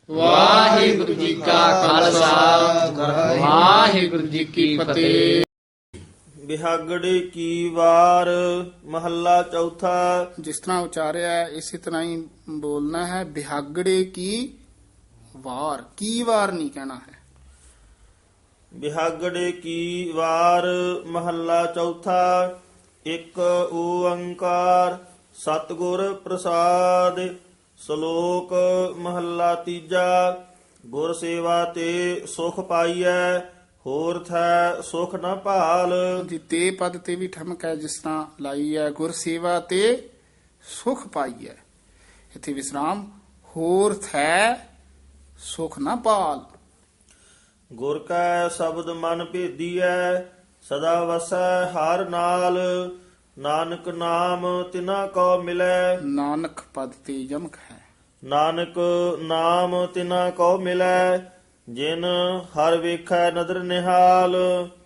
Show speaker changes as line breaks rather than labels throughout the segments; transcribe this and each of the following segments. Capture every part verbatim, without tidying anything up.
ਵਾਹਿਗੁਰੂ ਜੀ ਕਾ ਖਾਲਸਾ ਵਾਹਿਗੁਰੂ ਜੀ ਕੀ ਫਤਿਹ।
ਬਿਹਾਗੜੇ ਕੀ ਵਾਰ ਮਹੱਲਾ ਚੌਥਾ।
ਜਿਸ ਤਰ੍ਹਾਂ ਉਚਾਰਿਆ ਹੈ, ਇਸੇ ਤਰ੍ਹਾਂ ਹੀ ਬੋਲਣਾ ਹੈ। ਬਿਹਾਗੜੇ ਕੀ ਵਾਰ, ਕੀ ਵਾਰ ਨਹੀਂ ਕਹਿਣਾ ਹੈ।
ਬਿਹਾਗੜੇ ਕੀ ਵਾਰ ਮਹੱਲਾ ਚੌਥਾ। ਇੱਕ ਓੰਕਾਰ ਸਤਿਗੁਰ ਪ੍ਰਸਾਦ। ਸ਼ਲੋਕ ਮਹੱਲਾ ਤੀਜਾ। ਗੁਰ ਸੇਵਾ ਤੇ ਸੁਖ ਪਾਈਐ, ਹੋਰ ਥੈ ਸੁਖ ਨ ਭਾਲ।
ਜੀ ਤੇ ਪਦ ਤੇ ਵੀ ਠਮਕ ਹੈ, ਜਿਸ ਤਰ੍ਹਾਂ ਲਾਈ ਹੈ। ਗੁਰ ਸੇਵਾ ਤੇ ਸੁਖ ਪਾਈ ਹੈ, ਇੱਥੇ ਵਿਸਰਾਮ। ਹੋਰ ਥੈ ਸੁਖ ਨਾ ਪਾਲ।
ਗੁਰ ਕੈ ਸ਼ਬਦ ਮਨ ਭੇਦੀਐ, ਸਦਾ ਵਸੈ ਹਰ ਨਾਲ। ਨਾਨਕ ਨਾਮ ਤਿਨਾ ਕੋ ਮਿਲੈ,
ਨਾਨਕ ਪਦ ਤੇ ਯਮਕ ਹੈ।
ਨਾਨਕ ਨਾਮ ਤਿਨਾ ਕੋ ਮਿਲੈ, ਜਿਨ ਹਰ ਵੇਖੈ ਨਦਰ ਨਿਹਾਲ।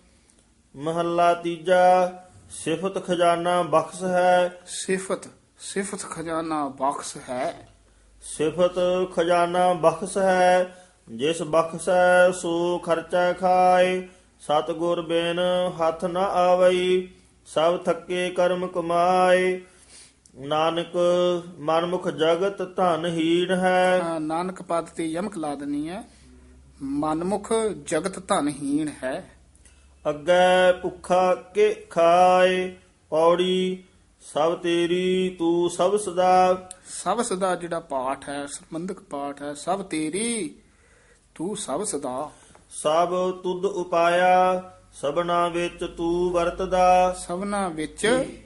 ਮਹੱਲਾ ਤੀਜਾ। ਸਿਫਤ ਖਜ਼ਾਨਾ ਬਖਸ਼ ਹੈ,
ਸਿਫਤ, ਸਿਫਤ ਖਜ਼ਾਨਾ ਬਖਸ਼ ਹੈ।
ਸਿਫਤ ਖਜ਼ਾਨਾ ਬਖਸ਼ ਹੈ, ਜਿਸ ਬਖਸ਼ੈ ਸੋ ਖਰਚਾ ਖਾਏ। ਸਤਿਗੁਰ ਬਿਨ ਹੱਥ ਨ ਆਵਈ, ਸਭ ਥੱਕੇ ਕਰਮ ਕਮਾਏ। ਨਾਨਕ ਮਨਮੁਖ ਜਗਤ ਧਨ ਹੀਣ ਹੈ।
ਹਾਂ, ਨਾਨਕ ਪਦ ਤੇ ਯਮਕ ਲਾ ਦੇਣੀ ਹੈ। ਮਨਮੁਖ ਜਗਤ ਧਨਹੀਣ ਹੈ।
ਅੱਗੇ ਭੁੱਖਾ ਕੇ ਖਾਏ, ਪੌੜੀ ਸਭ ਤੇਰੀ ਤੂੰ ਸਭ ਸਦਾ।
ਸਭ ਸਦਾ ਜਿਹੜਾ ਪਾਠ ਹੈ, ਸੰਬੰਧਕ ਪਾਠ ਹੈ। ਸਭ ਤੇਰੀ ਤੂੰ ਸਭ ਸਦਾ।
ਸਭ ਤੁਧ ਉਪਾਇਆ, ਸਭਨਾ ਵਿੱਚ ਤੂੰ ਵਰਤਦਾ।
ਸਭਨਾ ਵਿੱਚ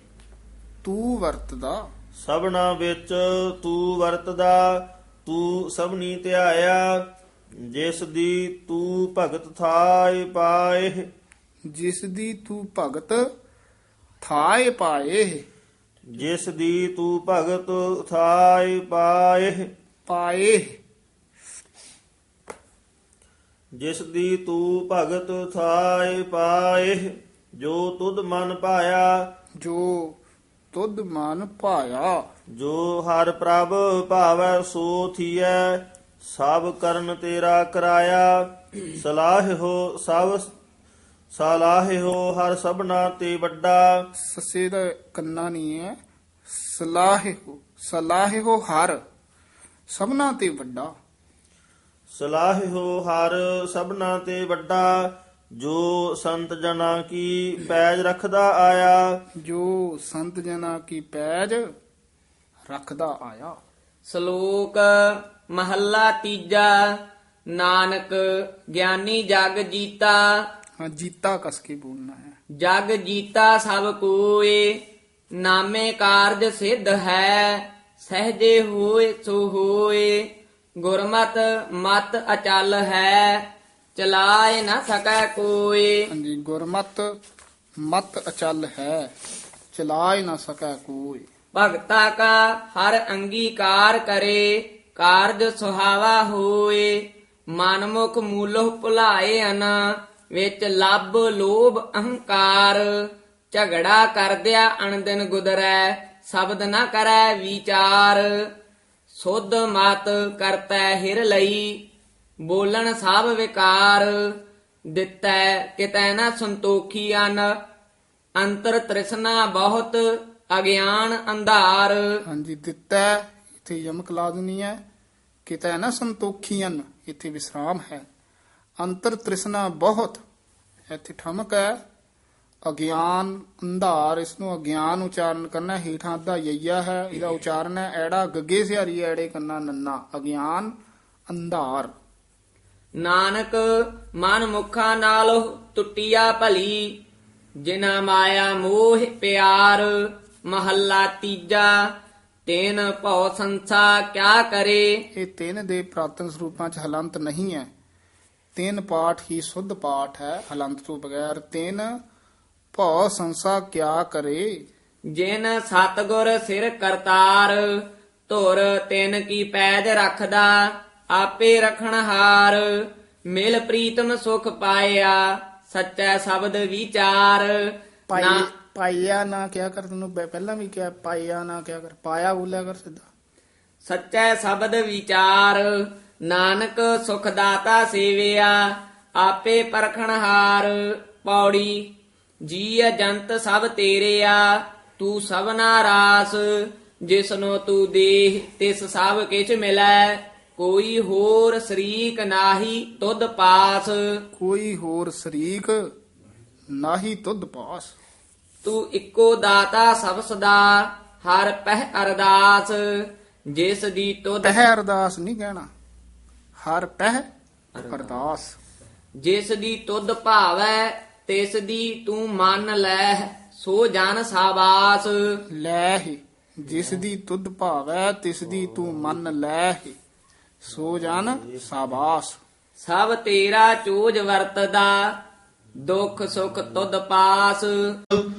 ਤੂੰ ਵਰਤਦਾ।
ਸਭਨਾ ਵਿੱਚ ਤੂੰ ਵਰਤਦਾ, ਤੂੰ ਸਭਨੀ ਧਿਆਇਆ। ਜਿਸ ਦੀ ਤੂੰ ਭਗਤ ਥਾਇ ਪਾਏ,
ਜਿਸ ਦੀ ਤੂੰ ਭਗਤ ਥਾਏ ਪਾਏ।
ਜਿਸ ਦੀ ਤੂੰ ਭਗਤ ਥਾਇ ਪਾਏ।
ਪਾਏ,
ਜਿਸ ਦੀ ਤੂੰ ਭਗਤ ਥਾਇ ਪਾਏ। ਜੋ ਤੁਧ ਮਨ ਪਾਇਆ,
ਜੋ ਤੁਧ ਮਨ ਭਾਇਆ।
ਜੋ ਹਰ ਪ੍ਰਭ ਭਾਵੈ ਸੋ ਥੀਐ। ਸਭ ਕਰਨ ਤੇਰਾ ਕਰਾਇਆ, ਸਲਾਹਿਓ ਸਭ ਸਲਾਹਿਓ ਹਰ ਸਭਨਾ ਤੇ ਵੱਡਾ।
ਸੱਸੇ ਦਾ ਕੰਨਾ ਨਹੀਂ ਹੈ। ਸਲਾਹਿਓ, ਸਲਾਹਿਓ ਹਰ ਸਭਨਾ ਤੇ ਵੱਡਾ।
ਸਲਾਹਿਓ ਹਰ ਸਭਨਾ ਤੇ ਵੱਡਾ। ਜੋ ਸੰਤ ਜਨਾਂ ਕੀ ਪੈਜ ਰੱਖਦਾ ਆਇਆ।
ਜੋ ਸੰਤ ਜਨਾ ਕੀ ਪੈਜ ਰੱਖਦਾ ਆਇਆ।
ਸ਼ਲੋਕ ਮਹੱਲਾ ਤੀਜਾ। ਨਾਨਕ ਗਿਆਨੀ ਜਗ ਜੀਤਾ,
ਹਾਂ, ਜੀਤਾ ਕਸ ਕੇ ਬੋਲਣਾ ਹੈ।
ਜਗ ਜੀਤਾ ਸਭ ਕੋਏ। ਨਾਮੇ ਕਾਰਜ ਸਿੱਧ ਹੈ, ਸਹਜੇ ਹੋਏ ਸੋ ਹੋਏ। ਗੁਰਮਤ ਮਤ ਅਚਲ ਹੈ, ਚਲਾਏ ਨਾ ਸਕੈ ਕੋਏ।
ਹਾਂਜੀ, ਗੁਰਮਤ ਮਤ ਅਚਲ ਹੈ, ਚਲਾਇ ਨਾ ਸਕੈ ਕੋਈ।
ਭਗਤਾ ਕਾ ਹਰ ਅੰਗੀਕਾਰ ਕਰੇ, ਕਾਰਜ ਸੁਹਾਵਾ ਹੋਏ। ਮਨਮੁਖ ਮੂਲੋ ਭੁਲਾਏ ਅਨ, ਵਿੱਚ ਲੱਭ ਲੋਭ ਅਹੰਕਾਰ। ਝਗੜਾ ਕਰਦਿਆ ਅਣਦਿਨ ਗੁਦਰੈ, ਸ਼ਬਦ ਨਾ ਕਰੈ ਵਿਚਾਰ। ਸੁਧ ਮਤ ਕਰਤੈ ਹਿਰ ਲਈ, ਬੋਲਣ ਸਭ ਵਿਕਾਰ। ਦਿੱਤੈ ਕਿਤੈ ਨਾ ਸੰਤੋਖੀ ਅਨ, ਅੰਤਰ ਤ੍ਰਿਸ਼ਨਾ ਬਹੁਤ ਅਗਿਆਨ ਅੰਧਾਰ।
ਹਾਂਜੀ, ਦਿੱਤਾ ਇੱਥੇ ਯਮਕ ਲਾ ਦੇਣੀ ਹੈ। ਕਿਤੇ ਨਾ ਸੰਤੋਖੀਨ, ਇੱਥੇ ਵਿਸਰਾਮ ਹੈ। ਅੰਤਰ ਤ੍ਰਿਸ਼ਨਾ ਬਹੁਤ, ਇੱਥੇ ਠਮਕ ਹੈ। ਅਗਿਆਨ ਅੰਧਾਰ, ਇਸ ਨੂੰ ਅਗਿਆਨ ਉਚਾਰਨ ਕਰਨਾ। ਹੇਠਾਂ ਅੱਧਾ ਯਈਆ ਹੈ, ਇਹਦਾ ਉਚਾਰਨ ਹੈ ਐੜਾ ਗੱਗੇ ਸਿਹਾਰੀ ਐੜੇ ਕੰਨਾ ਨੰਨਾ। ਅਗਿਆਨ ਅੰਧਾਰ।
ਨਾਨਕ ਮਨ ਮੁਖਾਂ ਨਾਲ ਟੁੱਟਿਆ ਭਲੀ, ਜਿਨਾ ਮਾਇਆ ਮੋਹ ਪਿਆਰ। ਮਹੱਲਾ ਤੀਜਾ। ਤੈਨ ਭਉ ਸੰਸਾ ਕਿਆ ਕਰੇ।
ਇਹ ਤਿੰਨ ਦੇ ਪ੍ਰਾਤਨ ਸਰੂਪਾਂ ਚ ਹਲੰਤ ਨਹੀਂ ਹੈ। ਤਿੰਨ ਪਾਠ ਹੀ ਸੁੱਧ ਪਾਠ ਹੈ, ਹਲੰਤ ਤੋਂ ਬਗੈਰ। ਤਿੰਨ ਭਉ ਸੰਸਾ ਕਿਆ ਕਰੇ।
ਜਿਨ ਸਤਗੁਰ ਸਿਰ ਕਰਤਾਰ, ਧੁਰ ਤਿਨ ਕੀ ਪੈਜ ਰੱਖਦਾ। ਆਪੇ ਰਖਣ ਹਾਰ, ਮਿਲ ਪ੍ਰੀਤਮ ਸੁਖ ਪਾਇਆ। ਸੱਚਾ ਸ਼ਬਦ ਵਿਚਾਰ।
ਪਾਈ
ਨਾ
ਪਾਇਆ ਨਾ ਕਿਆ ਕਰ, ਤੈਨੂੰ ਪ- ਪਹਿਲਾਂ ਵੀ ਕਿਹਾ ਪਾਇਆ ਨਾ ਕਿਆ ਕਰ, ਪਾਇਆ ਬੋਲਿਆ ਕਰ ਸਿੱਧਾ।
ਸੱਚਾ ਸ਼ਬਦ ਵਿਚਾਰ। ਨਾਨਕ ਸੁਖ ਦਾਤਾ ਸੇਵਿਆ ਆਪੇ ਪਰਖਣਹਾਰ। ਪੌੜੀ ਜੀਅ ਜੰਤ ਸਭ ਤੇਰਿਆ ਤੂੰ ਸਭਨਾ ਰਾਸ। ਜਿਸਨੋ ਤੂੰ ਦੇਹ ਤਿਸ ਸਭ ਕਿਛ ਮਿਲੈ ਕੋਈ ਹੋਰ ਸਰੀਕ ਨਾਹੀ ਤੁਧ ਪਾਸ।
ਕੋਈ ਹੋਰ ਸ਼ਰੀਕ ਨਾਹੀ ਤੁਧ ਪਾਸ।
ਤੂੰ ਇੱਕੋ ਦਾਤਾ ਸਭ ਸਦਾ ਹਰ ਪਹਿ ਅਰਦਾਸ। ਜਿਸ ਦੀ ਤੁਧ
ਪਹਿ ਅਰਦਾਸ ਨਹੀਂ ਕਹਿਣਾ, ਹਰ ਪਹਿ ਅਰਦਾਸ।
ਜਿਸ ਦੀ ਤੁਧ ਭਾਵੈ ਤਿਸ ਦੀ ਤੂੰ ਮੰਨ ਲੈ ਸੋ ਜਨ ਸਾਬਾਸ।
ਲੈ ਹੀ ਜਿਸ ਦੀ ਤੁਧ ਭਾਵੈ ਤਿਸ ਦੀ ਤੂੰ ਮੰਨ ਲੈ ਹੀ ਸੋ ਜਨ ਸਾਬਾਸ।
ਸਭ ਤੇਰਾ ਚੋਜ ਵਰਤਦਾ ਦੁੱਖ ਸੁਖ ਤੁਧ ਪਾਸ।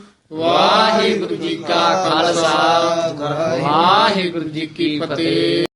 ਵਾਹਿਗੁਰੂ ਜੀ ਕਾ ਖਾਲਸਾ ਵਾਹਿਗੁਰੂ ਜੀ ਕੀ ਫਤਿਹ।